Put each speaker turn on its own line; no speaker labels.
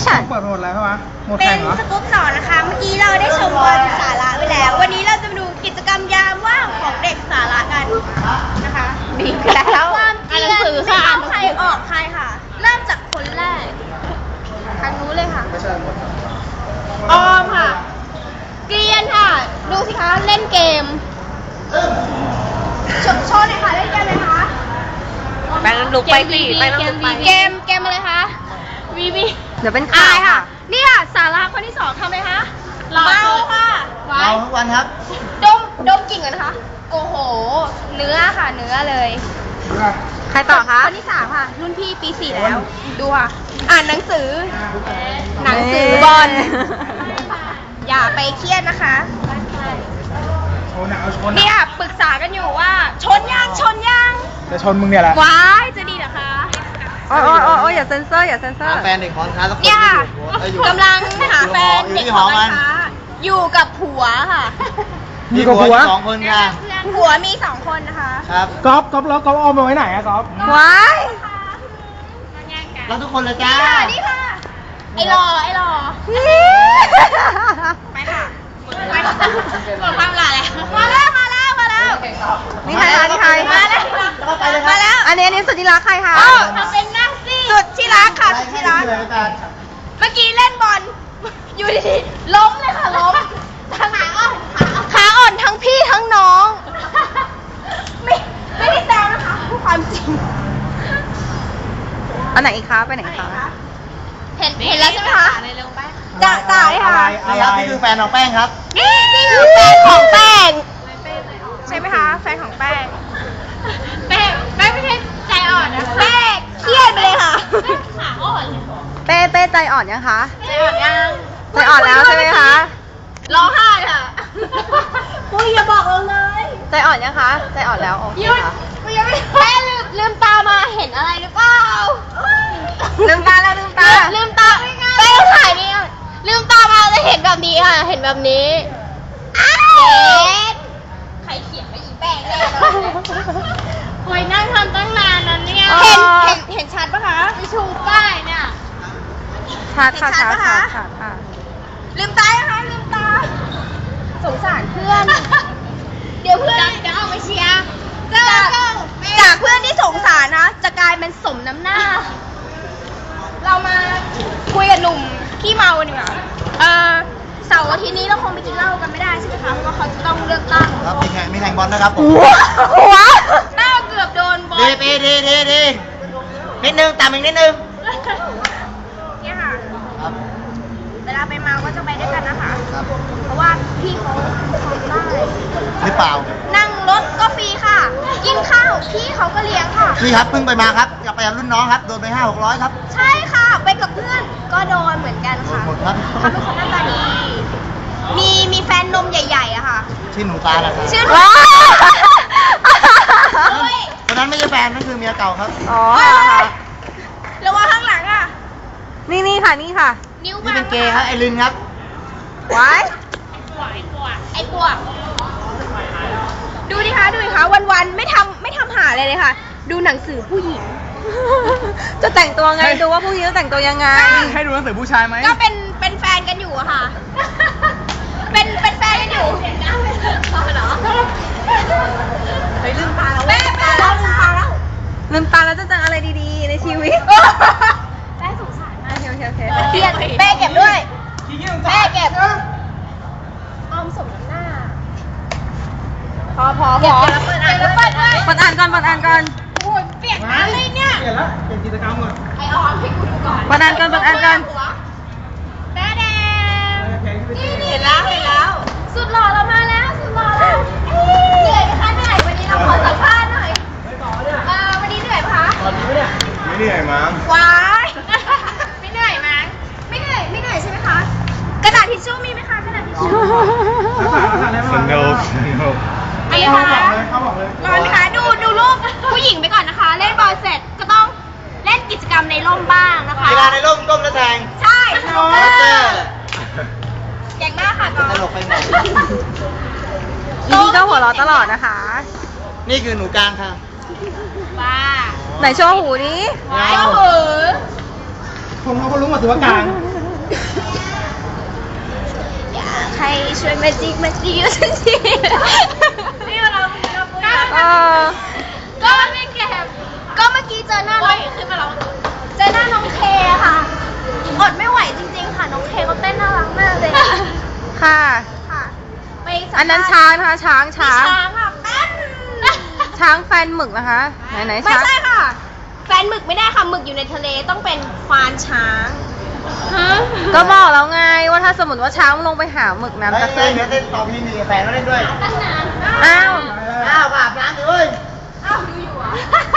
ฉัน
เปิดโหมดแล้วใช่ไหมโหมด
เป็
แข่
น
งเหรอ
สกู๊ปต่อนะคะ เมื่อกี้เราได้ชมบอลสาระไปแล้ว วันนี้เราจะมาดูกิจกรรมยามว่างของเด็กสาระกันนะคะ
ดีแล้ว
ความเกรียนไม่เอาใครออกใครค่ะ เริ่มจากคนแรกทางนู้นเลยค่ะ ออมค่ะ เกรียนค่ะ ดูสิคะเล่นเกมโชว์หน่อยค่ะเล่นเกมเลยคะ
ไปลุกไปสิไปต้องลุกไป
เกมอะไรคะวีวี
เดี๋ยวเป็นข่าวค่ะ
นี่ค่ะสาระคนที่สองทำเลยคะเมาค่ะไว้
เราทุกวันครับ
ดมกลิ่นก่อนนะคะ โอ้โห เนื้อค่ะ เนื้อเลย
ใครต่อคะ
คนที่สามค่ะ รุ่นพี่ปี 4 แล้ว ดูค่ะ อ่านหนังสือ หนังสือบอล อย่าไปเครียดนะคะ
โชว์หนักเอาชน
เนี่ยปรึกษากันอยู่ว่า ชนยัง
จะชนมึงเนี่ยแหละ
ว้ายจะดีเหรอคะ
โอ้ยอย่าเซ็นเซอร์อย่าเซ็นเซอร์
แฟนเด็กหอการสักคน
เนี่ยค่ะ
อยู่
กำลังหาแฟน
อยู่
เด็ก
ที่
ห
ห
อ
อ
การ
มัน
ค้าอยู่กับผัวค่ะ
มีกับผัว
สองคนค่ะ
ผัวมี 2 คนนะคะ
ครับ
ก๊อฟแล้วก๊อฟเอามาไว้ไหนอะก๊อฟ
ว้าย
แล้วทุกคนเลยจ้า
นี่ค่ะ ไอ้รอไปค่ะไปค่ะหมดความหล่อแล้วมาแล้ว
นี่ใครคะนี่ใคร
มาแล้ว
อันนี้สุดที่รักใครคะ
ทำเป็นนั่งสิสุดที่รักค่ะสุดที่รัก เมื่อกี้เล่นบอล อยู่ดีๆล้มเลยค่ะล้มทั้งขาอ่อนทั้งพี่ทั้งน้อง ไม่ได้แซวนะคะพูดความจริง
อันไหนอีกคะไปไหนอีกคะ
เห็นแล้วใช่ไหมคะจ่าเลยค่ะ
นี่ครับนี่คือแฟนของแป้งครับ
นี่คือแฟนของแป้งใช่ไหมคะแฟนของแป้งแป้งไม่ใช่ใจอ่อนนะแป้งเครียดไปเลยค่ะขาอ่อนเลย
เป้ใจอ่อนยังคะ
ใจอ่อนยัง
ใจอ่อนแล้วใช่ไหมคะ
ร้องไห้ค่ะปุ้ยอย่าบอกเราเลย
ใจอ่อนยังคะ ใจอ่อนแล้วโอเค
หยุด
ค่ะ
ปุ้ยยังไม่แป้งลืมตามาเห็นอะไรหรือเปล่า
ลืมตาแล้วลืมตา
ลืมตาแป้งถ่ายนี่ลืมตามาจะเห็นแบบนี้ค่ะเห็นแบบนี้เย็ดใครเขียนไปอีแป้งแน่เลยโอ้ยนั่งทำตั้งนานนั้นเนี่ยเห็นชัดปะคะไปชูป้ายเนี่ย
ชัดค่ะ
ชั
ชั
ด
ด
ปะ
ค่ะ
คะ
ชัดค่ะ
ลืมตานะคะลืมตา สงสารเพื่อน เดี๋ยวเพื่อนจะเอาไปเชียร์จากเพื่อนที่สงสารนะ จะกลายเป็นสมน้ำหน้า เรามาคุยกับหนุ่มขี้เมากันดีกว่าเสาร์อาทิตย์นี้เราคงไปกินเหล้ากันไม่ได้ใช่ไหมคะเพราะว่าเขาจะต้องเลือกตั้ง
ครับมีแข่งบอลนะครับผม
หัว
หน้าเกือบโดนบอล
ดีนิดนึงตามอีกนิดนึง
เนี่ยค่ะ
ครับ
เวลาไปเมาก็จะไปด้วยกันนะคะ
ครับ
เพราะว่าพี่เขาทำได้
หรือเปล่า
นั่งรถก็ฟรีค่ะ กินข้าวพี่เขาก็เลี้ยงค่ะ
พี่ครับเพิ่งไปมาครับกลับไปกับรุ่นน้องครับโดนไป500-600ครับ
ใช่ค่ะ ไปกับเพื่อนก็โดนเหมือนกันค่ะ
หมดครับ
เขาเป็นคนหน้าตาดี มีแฟนนมใหญ่ๆอะค่ะ
ชื่อหนูตาละครับ
ชื่อ
ว้าว
โอ้ย
คนนั้นไม่ใช่แฟนนั่นคือเมียเก่าครับ
อ๋อค่ะ
ระวังข้างหลังอะ
นี่ค่ะนี่ค่ะ
นิ้ว
นี่
บาง
เป็นเกย์ครับไอรินครับ
ไว้
ไอ้ปวกดูดิคะวันๆไม่ทำหาอะไรเลยค่ะ ดูหนังสือผู้หญิง
จะแต่งตัวไงดูว่าผู้หญิงจะแต่งตัวยังไง
ให้ดูหนังสือผู้ชายไหม
ก็เป็นแฟนกันอยู่อะค่ะ เป็นแฟนกันอยู่เหรอเฮ้ยลืมตาแล้วแม่ลืมตาแล้ว
ลืมตาแล้วจะเจออะไรดีๆในชีวิต
แม่สงสารมาก
โอเค
เครียดแม่เก็บด้วยแม่เก็บออมสมน้ำหน้าพอเก็บแล้วเปิดอ่านด้วย
เปิดอ่านก่อน
โอ้ยเปียกน้ำเลยเนี่ย
เปลี่ยนแล้วเปลี่ยนกิจกรรมก่อน
ไอออมให้กูดูก่อน
เปิดอ่านก่อน
แม่แดงนี่เห็นแล้วสุดหล่อเรามาแล้วสุดหล่อแล้วเหนื่อยไหมคะเหนื่อยวันนี้เราขอสัมภาษณ์หน่อยวันนี้เหนื่อยไหมคะ
ตอนนี้เนี่ยไม่เหนื่อยมั้ง
ว้ายไม่เหนื่อยมั้งไม่เหนื่อยใช่ไหมคะกระดาษทิชชู่มีไหมคะกระดาษทิชชู่
สนุก
อันนี้ค่ะร้อนไหมคะดูรูปผู้หญิงไปก่อนนะคะ เล่นบอลเสร็จก็ต้องเล่นกิจกรรมในร่มบ้างนะคะ
เวลาในร่มก้มแล้วแทง
ใช่
โรเจอร์
เก่งมากค่ะกอ
ตลกไปหมด
อีนี่ก็หัวเราะตลอดนะคะ
นี่คือหนูกลางค่ะ
บ้า
ไหนโชว์หูนี้
ว้าวหือ
คนเขาก็รู้หมดสิว่ากลาง
อยากให้ช่วยมาจิกมาจิกสักทีนี่เราก็ไม่แก็บก็เมื่อกี้เจอหน้าน้องขึ้นมาแล้วเจอหน้าน้องเคค่ะอดไม่ไหวจริงๆค่ะน้องเคเขาเต้นน่ารักมากเลย
ค่ะ
ค่ะไปสัมภษณ์
อันนั้นช้างนะคะ ช้าง
มี
ช้าง
ช้างค่ะแป้น
ช้างแฟนหมึกนะคะ ไหน
ไม่
ช้าง
ใช่ค่ะ แฟนหมึกไม่ได้ค่ะหมึกอยู่ในทะเลต้องเป็นควานช้าง
ก็บอกแล้วไงว่าถ้าสมมติว่าช้างลงไปหาหมึกน้ำ
เฮ้
จะ
ย
ขึ้น
เดี๋ยวเต้นต่อพี่มีแฟนมาเล่นด้วย
อ้าว
อ้าวอาบน้ำดิเว้ย
อ้าวดูอยู่อ่ะ